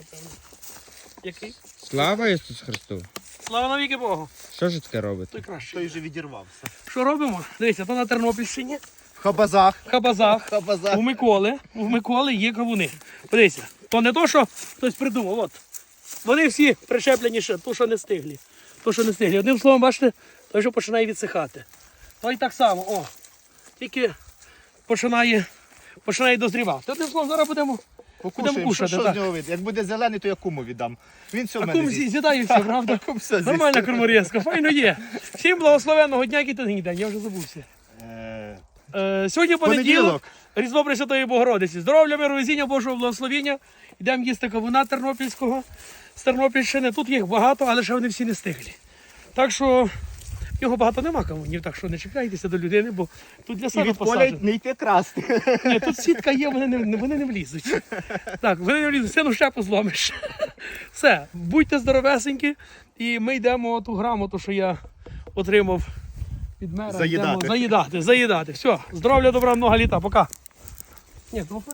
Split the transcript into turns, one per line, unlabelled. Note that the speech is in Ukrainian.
напевно. Який?
Слава Ісусу Христу!
Слава навіки Богу.
Що ж таке робите?
Той краще.
Той вже відірвався.
Що робимо? Дивіться, то на Тернопільщині,
В Хабазах.
в Хабазах,
Хабазах.
у Миколи є кавуни. Подивіться, то не то, що хтось придумав, от. Вони всі прищеплені ще, то, що не стиглі. То, що не стиглі. Одним словом, бачите, той, що починає відсихати. То і так само, о, тільки починає дозрівати. Одним словом, зараз будемо
Покушаємо,
кушати,
що
так.
з нього вийде. Як буде зелений, то я куму віддам. Він все в
А
мене
кум
з'їсть.
з'їдає все, правда?
Кум все з'їсть.
Нормальна корморізка, файно є. Всім благословенного дня, який ти день, я вже забувся. Сьогодні понеділок, Різдво Пресвятої Богородиці. Здоров'я, миру, везіння, Божого благословіння. Йдемо їсти кавуна тернопільського, з Тернопільщини. Тут їх багато, але ще вони всі не стиглі. Так що його багато нема кавунів, так що не чекайтеся до людини, бо тут для
І
себе
від поля
посаджено.
не йти красти.
Ні, тут сітка є, вони не влізуть. Так, вони не влізуть, сину щепу зломиш. Все, будьте здоровесенькі, і ми йдемо ту грамоту, що я отримав від мера.
Заїдати.
Йдемо заїдати. Все, здоров'я, добра, много літа, пока. Ні,